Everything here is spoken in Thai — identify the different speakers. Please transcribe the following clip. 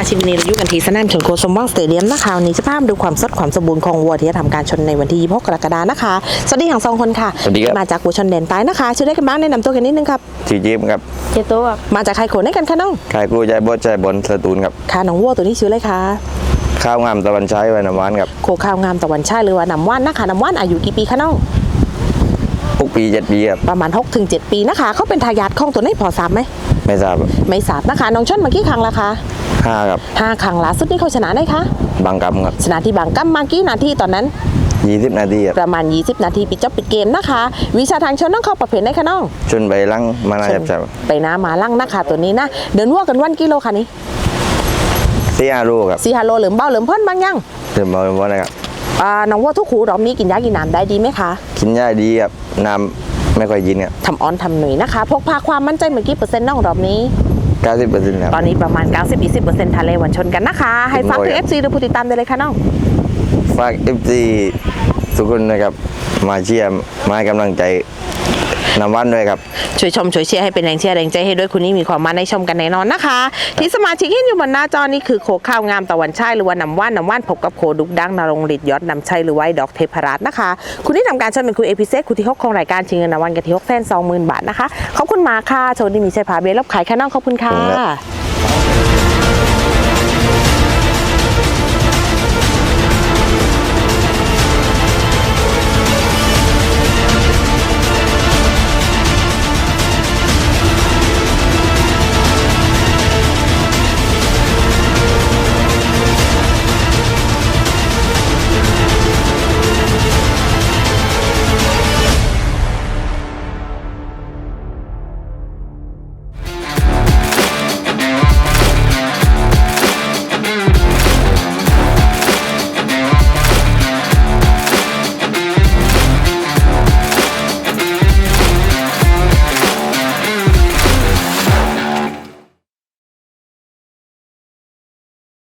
Speaker 1: ชิมนีเราอยู่กันที่สนามชนโคสมหวังสเตเดียมนะคะวันนี้จะพามาดูความสดความสมบูรณ์ของวัวที่จะทำการชนในวันที่26 กรกฎาคมนะคะสวัสดีทั้งสองคนค่ะ
Speaker 2: สวัสดีครับ
Speaker 1: มาจากวัวชนแดนใต้นะคะชื่อได้กันบ้างแนะนำตัวกันนิดนึงครับ
Speaker 2: ชื่อจิ๊บครับ
Speaker 3: เจตัว
Speaker 1: มาจากใครโขนให้กันคะน้อง
Speaker 2: ขายกู้ใจบดใจบนสตูลครับ
Speaker 1: ค่ะน้องวัวตัวนี้ชื่ออะไรคะ
Speaker 2: ข้าวงามตะวันใช้ไว้น้ำหวานครับ
Speaker 1: โคข้าวงามตะวันชายหรือว่าน้ำว่านนะคะน้ำว่านอายุกี่ปีคะน้อง
Speaker 2: 6 ปี 7 ปีครับ
Speaker 1: ประมาณ 6-7 ปีนะคะเขาเป็นทายาทของตัวนี้พอทราบไหม
Speaker 2: ไม่ทราบครับ
Speaker 1: ไม่ทราบนะคะน้องชนมากี่ครั้งละคะ
Speaker 2: 5ครับ
Speaker 1: 5 ครั้งล่าสุดนี่เขาชนะได้คะ
Speaker 2: บางกำครับ
Speaker 1: ชนะที่บางกัมมากี่นาทีตอนนั้น
Speaker 2: 20 นาทีครับ
Speaker 1: ประมาณ 20 นาทีปิดจบปิดเกมนะคะ วิชาทางชนน้องเข้าประเภทไหนคะน้อง
Speaker 2: ชนไปลังมานาจับจับ
Speaker 1: ไปน้ำมาลั่งนะคะตัวนี้นะเดินวัวกันวันกิโลค่ะนี่
Speaker 2: 4-5 ลูกครับ
Speaker 1: 4 5 โลเหลือมเบาเหลือมเพิ่นบางยัง
Speaker 2: เดินมาวันนะครับ
Speaker 1: น้องวัวทุกขูรอบนี้กินยากินน้ำได้ดีไหมคะ
Speaker 2: กินหญ้าดีครับน้ำไม่ค่อยกินครับ
Speaker 1: ทำออนทำหนุ่ยนะคะพกพาความมั่นใจเมื่อกี้เปอร์เซ็นต์น้องรอบนี้
Speaker 2: 90%ครับ
Speaker 1: ตอนนี้ประมาณ 90-20%ทะเลวันชนกันนะคะ ให้ฝากถึง
Speaker 2: ครับ
Speaker 1: FC หรือผู้ติดตามได้เลยค่ะน้อง
Speaker 2: ฝาก FC ทุกคนนะครับมาเชียร์มาให้กำลังใจน้ำหวานด้วยครับ
Speaker 1: ช่วยชมช่วยเชียร์ให้เป็นแรงเชียร์แรงใจให้ด้วยคุณนี่มีความมาในชมกันแน่นอนนะคะ ที่สมาชิกเห็นอยู่บนหน้าจอนี่คือโคข้าวงามตะวันชัยหรือว่าน้ำว่านพบกับโคดุกดังนรงฤทธิ์ยอดนำชัยหรือว่าไอ้ดอกเทพรัตน์นะคะ คุณที่ทำการชมเป็นคุณเอพิเซคุณที่6ของรายการชิงเงินรางวัลกันที่620,000 บาทนะคะขอบคุณมากค่ะโชว์ดีมีชัยพาเบลลบขายแค่น้องขอบคุณค่ะ